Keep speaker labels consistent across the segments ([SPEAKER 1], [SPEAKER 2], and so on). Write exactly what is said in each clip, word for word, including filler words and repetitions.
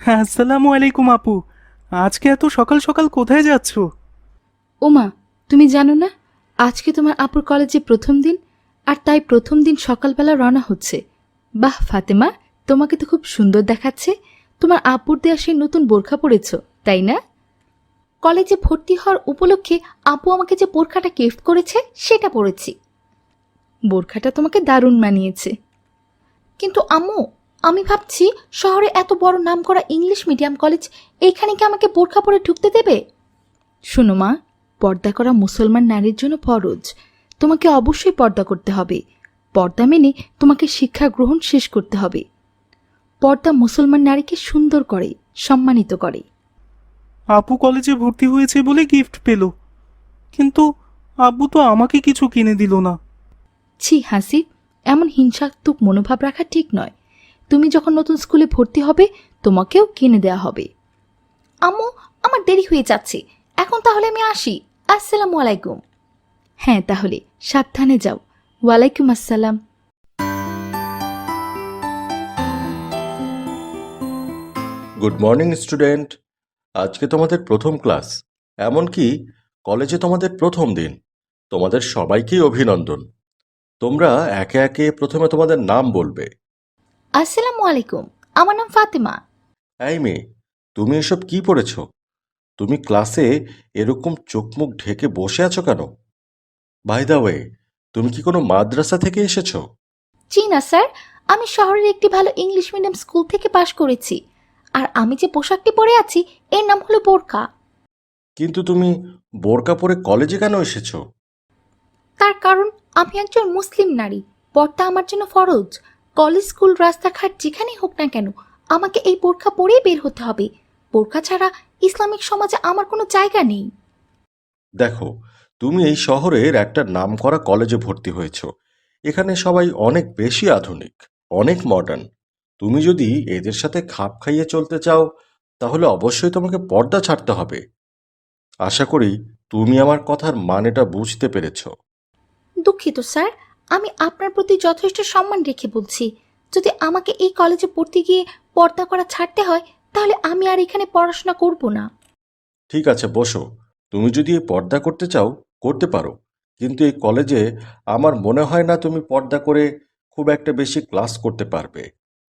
[SPEAKER 1] হ্যাঁ, আসসালামু আলাইকুম আপু। আজকে এত সকাল সকাল কোথায় যাচ্ছ?
[SPEAKER 2] ওমা, তুমি জানো না আজকে তোমার আপুর কলেজে প্রথম দিন, আর তাই প্রথম দিন সকালবেলা রওনা হচ্ছে। বাহ ফাতেমা, তোমাকে তো খুব সুন্দর দেখাচ্ছে। তোমার আপুর দেয়া সেই নতুন বোরখা পরেছ, তাই না? কলেজে ভর্তি হওয়ার উপলক্ষে আপু আমাকে যে বোরখাটা গিফট করেছে সেটা পরেছি। বোরখাটা তোমাকে দারুণ মানিয়েছে। কিন্তু আম্মু, আমি ভাবছি শহরে এত বড় নামকরা ইংলিশ মিডিয়াম কলেজ, এইখানে কি আমাকে বোরখা পরে ঢুকতে দেবে? শোনো মা, পর্দা করা মুসলমান নারীর জন্য ফরজ। তোমাকে অবশ্যই পর্দা করতে হবে। পর্দা মেনে তোমাকে শিক্ষা গ্রহণ শেষ করতে হবে। পর্দা মুসলমান নারীকে সুন্দর করে, সম্মানিত করে।
[SPEAKER 1] আপু কলেজে ভর্তি হয়েছে বলে গিফট পেল, কিন্তু আব্বু তো আমাকে কিছু কিনে দিল না।
[SPEAKER 2] ছি হাসিব, এমন হিংসাত্মক মনোভাব রাখা ঠিক নয়। তুমি যখন নতুন স্কুলে ভর্তি হবে, তোমাকেও কিনে দেয়া হবে। আম্মু, আমার দেরি হয়ে যাচ্ছে, এখন তাহলে আমি আসি। আসসালামু আলাইকুম। হ্যাঁ, তাহলে সাবধানে যাও। ওয়ালাইকুম আসসালাম।
[SPEAKER 3] Good morning student. আজকে তোমাদের প্রথম ক্লাস, এমনকি কলেজে তোমাদের প্রথম দিন। তোমাদের সবাইকেই অভিনন্দন। তোমরা একে একে প্রথমে তোমাদের নাম বলবে।
[SPEAKER 2] আসসালামু আলাইকুম, আমার নাম ফাতেমা।
[SPEAKER 3] এই মেয়ে, তুমি এসব কি পড়েছ? তুমি ক্লাসে এরকম চোখ মুখ ঢেকে বসে আছো কেন? বাই দ্য ওয়ে, তুমি কি কোনো মাদ্রাসা থেকে এসেছো?
[SPEAKER 2] জি না স্যার, আমি শহরের একটি ভালো ইংলিশ মিডিয়াম স্কুল থেকে পাশ করেছি। আর আমি যে পোশাকটি পরে আছি এর নাম হলো বোরকা।
[SPEAKER 3] কিন্তু তুমি বোরকা পরে কলেজে কেন এসেছো?
[SPEAKER 2] তার কারণ আমি একজন মুসলিম নারী। পর্দা আমার জন্য ফরজ। কলেজ, স্কুল, রাস্তাঘাট যেখানেই হোক না কেন, আমাকে এই বোরকা পরেই বের হতে হবে। বোরকা ছাড়া ইসলামিক সমাজে আমার কোনো জায়গা নেই।
[SPEAKER 3] দেখো, তুমি এই শহরের একটা নামকরা কলেজে ভর্তি হয়েছো। এখানে সবাই অনেক বেশি আধুনিক, অনেক মডার্ন। তুমি যদি এদের সাথে খাপ খাইয়ে চলতে চাও, তাহলে অবশ্যই তোমাকে পর্দা ছাড়তে হবে। আশা করি তুমি আমার কথার মানেটা বুঝতে পেরেছো।
[SPEAKER 2] দুঃখিত স্যার, আমি আপনার প্রতি যথেষ্ট সম্মান রেখে বলছি, যদি আমাকে এই কলেজে পড়তে গিয়ে পর্দা করা ছাড়তে হয়, তাহলে আমি আর এখানে পড়াশোনা করব না।
[SPEAKER 3] ঠিক আছে, বসো। তুমি যদি এই পর্দা করতে চাও, করতে পারো। কিন্তু এই কলেজে আমার মনে হয় না তুমি পর্দা করে খুব একটা বেশি ক্লাস করতে পারবে।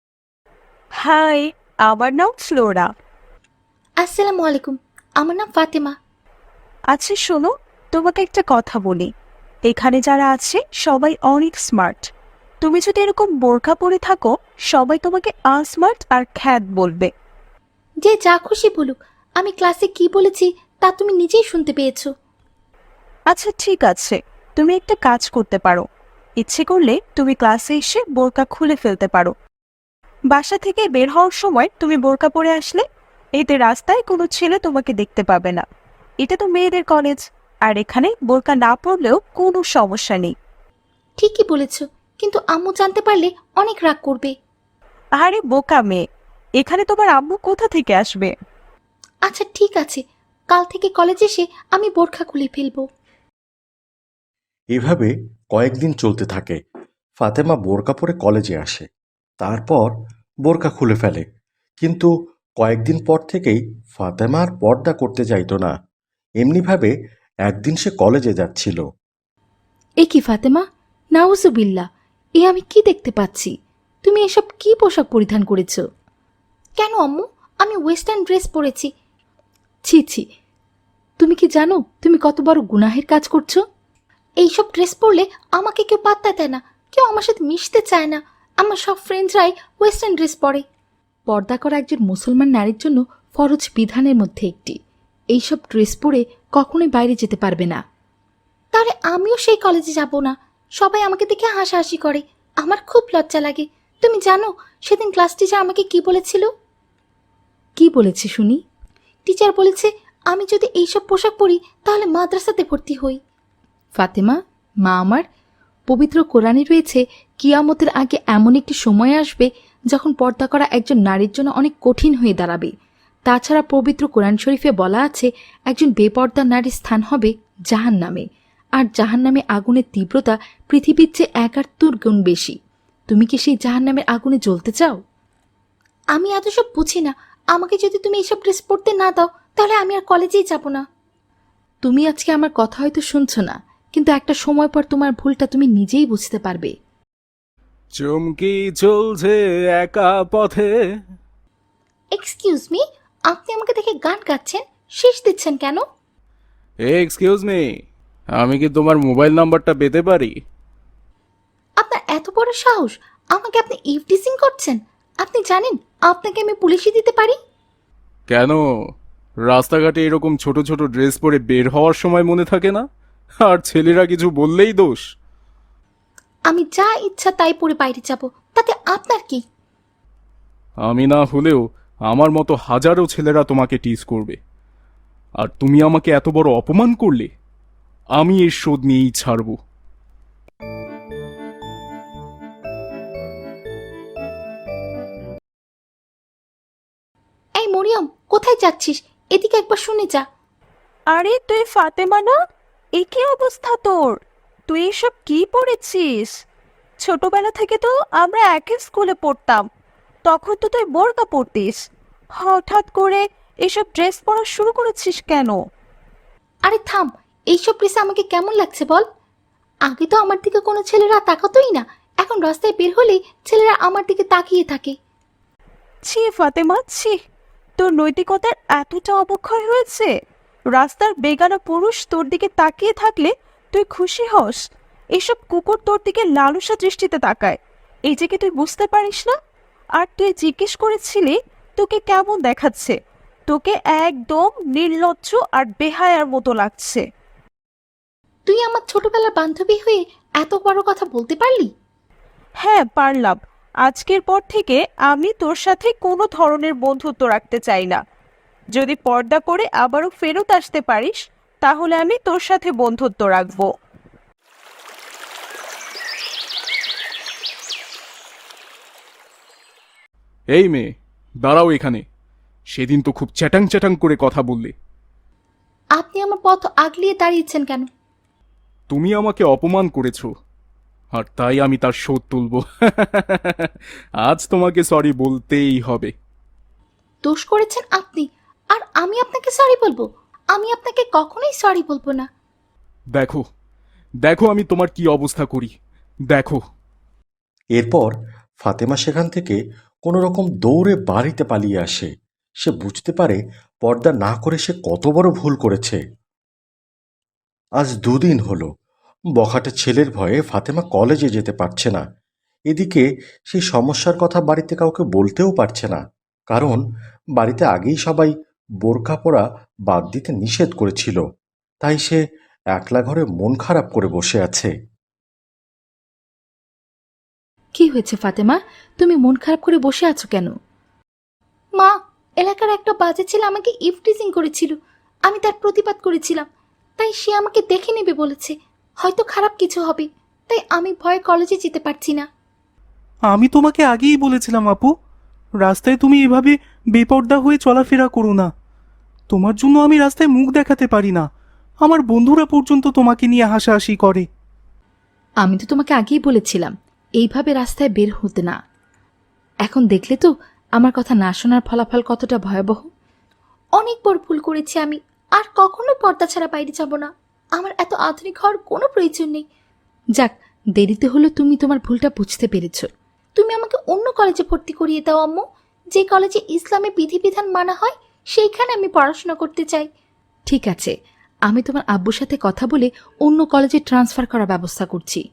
[SPEAKER 4] হাই, আমার নাম ফ্লোরা।
[SPEAKER 2] আসসালামু আলাইকুম, আমার নাম ফাতেমা।
[SPEAKER 4] আচ্ছা শোনো, তোমাকে একটা কথা বলি। এখানে যারা আছে সবাই অনেক স্মার্ট। তুমি যদি এরকম বোরকা পরে থাকো, সবাই তোমাকে আনস্মার্ট আর খ্যাত বলবে।
[SPEAKER 2] যে যা খুশি বলুক, আমি ক্লাসে কি বলেছি তা তুমি নিজেই শুনতে পেয়েছো।
[SPEAKER 4] আচ্ছা ঠিক আছে, তুমি একটা কাজ করতে পারো। ইচ্ছে করলে তুমি ক্লাসে এসে বোরকা খুলে ফেলতে পারো। বাসা থেকে বের হওয়ার সময় তুমি বোরকা পরে আসলে এতে রাস্তায় কোনো ছেলে তোমাকে দেখতে পাবে না। এটা তো মেয়েদের কলেজ, আর এখানে বোরকা না পরলেও কোনো সমস্যা নেই।
[SPEAKER 2] ঠিকই বলেছ, কিন্তু আম্মু জানতে পারলে অনেক রাগ করবে।
[SPEAKER 4] আরে বোকা মেয়ে, এখানে তোমার আম্মু কোথা থেকে আসবে?
[SPEAKER 2] আচ্ছা ঠিক আছে, কাল থেকে কলেজে এসে আমি বোরখা খুলে ফেলবো।
[SPEAKER 3] এভাবে কয়েকদিন চলতে থাকে। ফাতেমা বোরকা পরে কলেজে আসে, তারপর বোরকা খুলে ফেলে। কিন্তু কয়েকদিন পর থেকেই ফাতেমা আর পর্দা করতে চাইতো না। এমনিভাবে একদিন সে কলেজে যাচ্ছিল।
[SPEAKER 2] এ কি ফাতেমা, নাউজুবিল্লাহ, এ আমি কি দেখতে পাচ্ছি? তুমি এসব কি পোশাক পরিধান করেছ? কেন আম্মু, আমি ওয়েস্টার্ন ড্রেস পরেছি। ছি ছি, তুমি কি জানো তুমি কত বড় গুনাহের কাজ করছো? এইসব ড্রেস পরলে আমাকে কেউ পাত্তা দেয় না, কেউ আমার সাথে মিশতে চায় না। আমার সব ফ্রেন্ডসরাই ওয়েস্টার্ন ড্রেস পরে। পর্দা করা একজন মুসলমান নারীর জন্য ফরজ বিধানের মধ্যে একটি। এইসব ড্রেস পরে কখনোই বাইরে যেতে পারবে না। তাহলে আমিও সেই কলেজে যাব না। সবাই আমাকে দেখে হাসাহাসি করে, আমার খুব লজ্জা লাগে। তুমি জানো সেদিন ক্লাস টিচার আমাকে কি বলেছিল? কি বলেছে শুনি? টিচার বলেছে আমি যদি এইসব পোশাক পরি তাহলে মাদ্রাসাতে ভর্তি হই। ফাতেমা, মা আমার, পবিত্র কোরআনে রয়েছে কিয়ামতের আগে এমন একটি সময় আসবে যখন পর্দা করা একজন নারীর জন্য অনেক কঠিন হয়ে দাঁড়াবে। তাছাড়া পবিত্র কোরআন শরীফে বলা আছে একজন বেপর্দা নারীর স্থান হবে জাহান্নামে, আর জাহান্নামে আগুনের তীব্রতা পৃথিবীর চেয়ে একাত্তর গুণ বেশি। তুমি কি সেই জাহান্নামের আগুনে জ্বলতে চাও? আমি এত সব বুঝি না, আমাকে যদি তুমি এসব ড্রেস পরতে না দাও তাহলে আমি আর কলেজেই যাব না। তুমি আজকে আমার কথা হয়তো শুনছো না, কিন্তু একটা সময় পর তোমার ভুলটা তুমি নিজেই বুঝতে পারবে।
[SPEAKER 1] চুমকি চলছে একা পথে।
[SPEAKER 2] এক্সকিউজ মি, আপনি আমাকে দেখে গান গাচ্ছেন, শেষ দিচ্ছেন কেন?
[SPEAKER 1] এক্সকিউজ মি, আমি কি তোমার মোবাইল নাম্বারটা পেতে পারি?
[SPEAKER 2] আপনার এত বড় সাহস, আমাকে আপনি ইভটিজিং করছেন? আপনি জানেন আপনাকে আমি পুলিশে দিতে পারি।
[SPEAKER 1] কেন, রাস্তাঘাটে এরকম ছোট ছোট ড্রেস পরে বের হওয়ার সময় মনে থাকে না? আর ছেলেরা কিছু বললেই দোষ।
[SPEAKER 2] আমি যা ইচ্ছা তাই পরে বাইরে যাব, তাতে আপনার কি?
[SPEAKER 1] আমি না হলেও আমার মতো হাজারো ছেলেরা তোমাকে টিজ করবে, আর তুমি আমাকে এত বড় অপমান করলে, আমি এর শোধ নিয়েই ছাড়ব।
[SPEAKER 2] এই মরিয়ম, কোথায় যাচ্ছিস? এদিকে একবার শুনে যা।
[SPEAKER 4] আরে তুই ফাতেমা না? এ কি অবস্থা তোর? তুই এসব কি পড়েছিস? ছোটবেলা থেকে তো আমরা একই স্কুলে পড়তাম, তখন তো তুই বোরকা পরতিস। হঠাৎ করে এসব ড্রেস পরা শুরু করেছিস কেন?
[SPEAKER 2] আরে থাম, এইসব ড্রেসে আমাকে কেমন লাগছে বল? আগে তো আমার দিকে কোনো ছেলেরা তাকাতোই না, এখন রাস্তায় বের হলেই ছেলেরা আমার দিকে তাকিয়ে থাকে।
[SPEAKER 4] ছি ফাতেমা, ছি! তোর নৈতিকতার এতটা অবক্ষয় হয়েছে? রাস্তার বেগানা পুরুষ তোর দিকে তাকিয়ে থাকলে তুই খুশি হস? এসব কুকুর তোর দিকে লালসা দৃষ্টিতে তাকায়, এই যে কি তুই বুঝতে পারিস না? আর তুই জিজ্ঞেস করেছিলি তোকে কেমন দেখাচ্ছে? তোকে একদম নির্লজ্জ আর বেহায়ার মতো লাগছে।
[SPEAKER 2] তুই আমার ছোটবেলার বান্ধবী হয়ে এত বড় কথা বলতে পারলি?
[SPEAKER 4] হ্যাঁ পারলাম। আজকের পর থেকে আমি তোর সাথে কোনো ধরনের বন্ধুত্ব রাখতে চাই না। যদি পর্দা করে আবারও ফেরত আসতে পারিস তাহলে আমি তোর সাথে বন্ধুত্ব রাখবো।
[SPEAKER 1] এই মেয়ে, দাঁড়াও এখানে। সেদিন তো খুব চ্যাটাং চ্যাটাং করে কথা বললে।
[SPEAKER 2] আপনি আমার পথ আগলিয়ে দাঁড়িয়েছেন কেন?
[SPEAKER 1] তুমি আমাকে অপমান করেছো, আর তাই আমি তার শোধ তুলব। আজ তোমাকে সরি বলতেই হবে।
[SPEAKER 2] দোষ করেছেন আপনি, আর আমি আপনাকে সরি বলবো? আমি আপনাকে কখনোই সরি বলবো না।
[SPEAKER 1] দেখো, দেখো আমি তোমার কি অবস্থা করি, দেখো।
[SPEAKER 3] এরপর ফাতেমা সেখান থেকে কোনো রকম দৌড়ে বাড়িতে পালিয়ে আসে। সে বুঝতে পারে পর্দা না করে সে কত বড় ভুল করেছে। আজ দুদিন হলো বখাটে ছেলের ভয়ে ফাতেমা কলেজে যেতে পারছে না। এদিকে সেই সমস্যার কথা বাড়িতে কাউকে বলতেও পারছে না, কারণ বাড়িতে আগেই সবাই বোরকা পরা বাদ দিতে নিষেধ করেছিল। তাই সে একলা ঘরে মন খারাপ করে বসে আছে।
[SPEAKER 2] কি হয়েছে ফাতেমা, তুমি মন খারাপ করে বসে আছো কেন? মা, এলাকার একটা বাজে ছেলে আমাকে ইভটিজিং করেছিল, আমি তার প্রতিবাদ করেছিলাম, তাই সে আমাকে দেখে নেবে বলেছে। হয়তো খারাপ কিছু হবে, তাই আমি ভয়ে কলেজে যেতে পারছি না।
[SPEAKER 1] আমি তোমাকে আগেই বলেছিলাম আপু, রাস্তায় তুমি এভাবে বেপর্দা হয়ে চলাফেরা করো না। তোমার জন্য আমি রাস্তায় মুখ দেখাতে পারি না, আমার বন্ধুরা পর্যন্ত তোমাকে নিয়ে হাসাহাসি করে।
[SPEAKER 2] আমি তো তোমাকে আগেই বলেছিলাম এইভাবে রাস্তায় বের হতে না। এখন দেখলে তো আমার কথা না শোনার ফলাফল কতটা ভয়াবহ। অনেক বড় ভুল করেছি আমি, আর কখনো পর্দা ছাড়া বাইরে যাব না। আমার এত আধুনিক হওয়ার কোনো প্রয়োজন নেই। যাক, দেরিতে হলো তুমি তোমার ভুলটা বুঝতে পেরেছো। তুমি আমাকে অন্য কলেজে ভর্তি করিয়ে দাও আম্মু, যে কলেজে ইসলামে বিধিবিধান মানা হয় সেইখানে আমি পড়াশোনা করতে চাই। ঠিক আছে, আমি তোমার আব্বুর সাথে কথা বলে অন্য কলেজে ট্রান্সফার করার ব্যবস্থা করছি।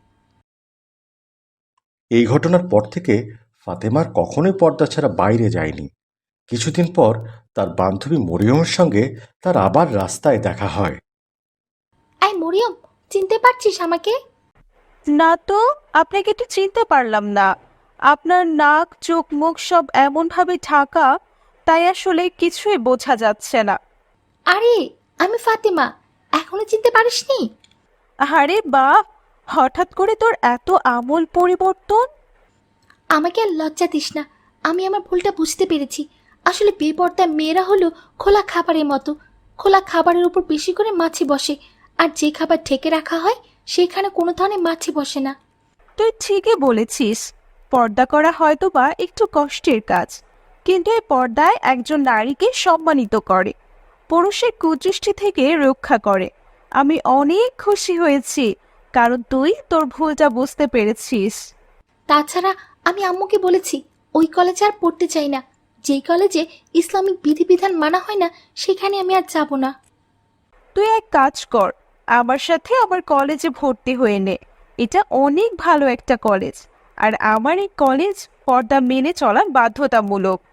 [SPEAKER 3] এই ঘটনার পর থেকে ফাতেমার কখনোই পর্দা ছাড়া বাইরে যায়নি। কিছুদিন পর তার বান্ধবী মরিয়মের সঙ্গে তার আবার রাস্তায় দেখা হয়।
[SPEAKER 2] আই মরিয়ম, চিনতে পারছিস আমাকে?
[SPEAKER 4] না তো, আপনাকে তো চিনতে পারলাম না। আপনার নাক চোখ মুখ সব এমনভাবে ঢাকা, তাই আসলে কিছুই বোঝা যাচ্ছে না।
[SPEAKER 2] আরে, আমি ফাতেমা, এখনো চিনতে পারিসনি?
[SPEAKER 4] আরে বাহ, হঠাৎ করে তোর এত আমূল পরিবর্তন!
[SPEAKER 2] আমাকে আর লজ্জা দিস না, আমি আমার ভুলটা বুঝতে পেরেছি। আসলে বেপর্দায় মেয়েরা হলো খোলা খাবারের মতো। খোলা খাবারের উপর বেশি করে মাছি বসে, আর যে খাবার ঢেকে রাখা হয় সেখানে কোনো ধরনের মাছি বসে না।
[SPEAKER 4] তুই ঠিকই বলেছিস, পর্দা করা হয়তো বা একটু কষ্টের কাজ, কিন্তু এই পর্দায় একজন নারীকে সম্মানিত করে, পুরুষের কুদৃষ্টি থেকে রক্ষা করে। আমি অনেক খুশি হয়েছি, কারণ তুই তোর ভুলটা বুঝতে পেরেছিস।
[SPEAKER 2] তাছাড়া আমি আম্মুকে বলেছি ওই কলেজে আর পড়তে চাই না। যেই কলেজে ইসলামিক বিধিবিধান মানা হয় না সেখানে আমি আর যাব না।
[SPEAKER 4] তুই এক কাজ কর, আমার সাথে আমার কলেজে ভর্তি হয়ে নে। এটা অনেক ভালো একটা কলেজ, আর আমার এই কলেজ পর্দা মেনে চলা বাধ্যতামূলক।